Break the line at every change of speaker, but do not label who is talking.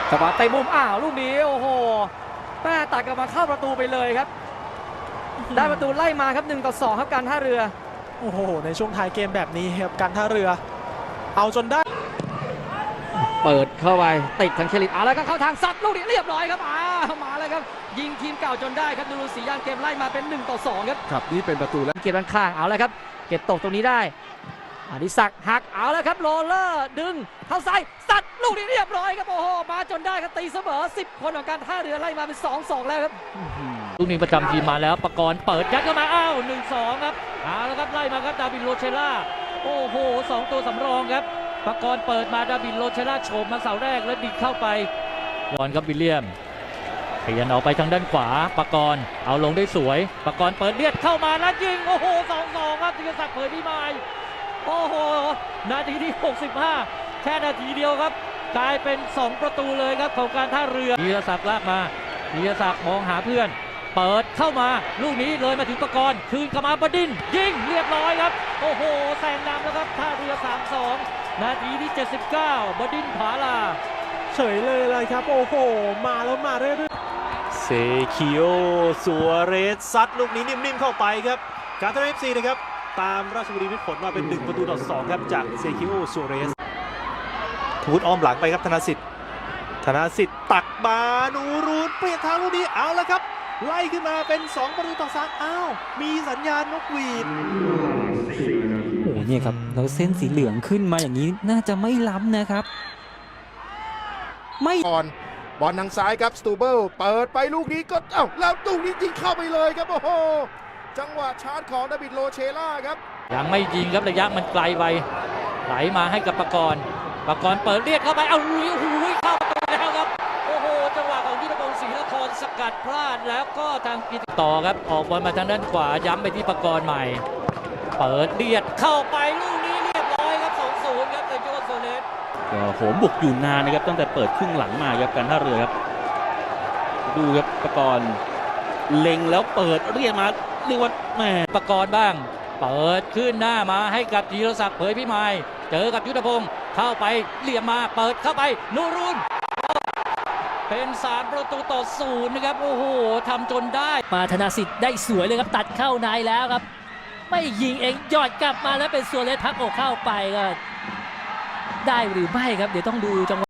จังหวะเตะมุมลูกนี้โอ้โหแม่ตัดกลับมาเข้าประตูไปเลยครับได้ประตูไล่มาครับ1-2ครับการท่าเรือ
โอ้โหในช่วงท้ายเกมแบบนี้ครับการท่าเรือเอาจนได้
เปิดเข้าไปติดทางเคลิตแล้วก็เข้าทางซัดลูกนี้เรียบร้อยครับมาแล้วครับยิงทีมเก่าจนได้ครับดูสีย่านเกมไล่มาเป็น1-2ครับ
ครับนี่เป็นประตูแล้ว
เก็บด้านข้างแล้วครับเก็บตกตรงนี้ได้อดิศักดิ์หักแล้วครับโรเลอร์ดึงเข้าซ้ายซัดลูกนี้เรียบร้อยครับโอ้โหมาจนได้ครับตีเสมอ10คนของการท่าเรือไล่มาเป็น2-2แล้วครับลูกนี้ประจำทีมมาแล้วประกรณ์เปิดยัดเข้ามา1-2ครับแล้วครับไล่มาครับดาวินโรเชล่าโอ้โห2ตัวสำรองครับประกรณ์เปิดมาดาวินโรเชล่าโฉบมาเสาแรกแล้วดิกเข้าไปยอนครับวิลเลียมขยันออกไปทางด้านขวาประกรณ์เอาลงได้สวยประกรณ์เปิดเลียดเข้ามาแล้วยิงโอ้โห2-2ครับธีรศักดิ์เผยพิมายโอ้โหนาทีที่65แค่นาทีเดียวครับกลายเป็น2ประตูเลยครับของการท่าเรือธีรศักดิ์ลากมาธีรศักดิ์มองหาเพื่อนเปิดเข้ามาลูกนี้เลยมาถึงประกรณ์คืนเข้ามาบดินทร์ยิงเรียบร้อยครับโอ้โหแซงนำแล้วครับท่าเรือ 3-2 นาทีที่79บดินทร์ผาลา
เฉยเลยครับโอ้โหมาแล้วมาเรื่อยๆเซคิโอซัวเรสซัดลูกนี้นิ่มๆเข้าไปครับการท่าเรือ FC นะครับตามราชบุรีมิตรผลมาเป็น1-2ครับจากเซคิโอซัวเรสทูตอ้อมหลังไปครับธนสิทธิ์ตักมานูรูนเปลี่ยนทางลูกนี้เอาแล้วครับไล่ขึ้นมาเป็น2-3มีสัญญาณนกหวีด
โอ้เนี่ยครับแล้วเส้นสีเหลืองขึ้นมาอย่างนี้น่าจะไม่ล้ำนะครับไม่
ก่อนบอลทางซ้ายครับสตูเบิลเปิดไปลูกนี้ก็แล้วลูกนี้ยิงเข้าไปเลยครับโอ้โหจังหวะชาร์จของดาวิดโรเชล่าครับ
ยังไม่ยิงครับระยะมันไกลไปไหลมาให้กับประกรณ์เปิดเรียกเข้าไปลุยเข้าไปแล้วครับโอ้โหจังหวะของยุทธพงศ์ศรีนครสกัดพลาดแล้วก็ทางกิตต่อครับออกบอลมาทางด้านขวาย้ำไปที่ประกรณ์ใหม่เปิดเลียดเข้าไปลูกนี้เรียบร้อยครับ2-0ครับเซโจโซเลส
โหมบุกอยู่นานนะครับตั้งแต่เปิดครึ่งหลังมาครับการท่าเรือครับดูครับประกรณ์เล็งแล้วเปิดเรียกมาเรียกว่าแหม
ประกรณ์บ้างเปิดขึ้นหน้ามาให้กับธีรศักดิ์เผยพิมายเจอกับยุทธพงศ์เข้าไปเหลี่ยมมาเปิดเข้าไปนูรุนเป็น3-0นะครับโอ้โหทำจนได้
มาธนาสิทธิ์ได้สวยเลยครับตัดเข้าในแล้วครับไม่ยิงเองยอดกลับมาแล้วเป็นซัวเรสพักอกเข้าไปก็ได้หรือไม่ครับเดี๋ยวต้องดูจังหวะ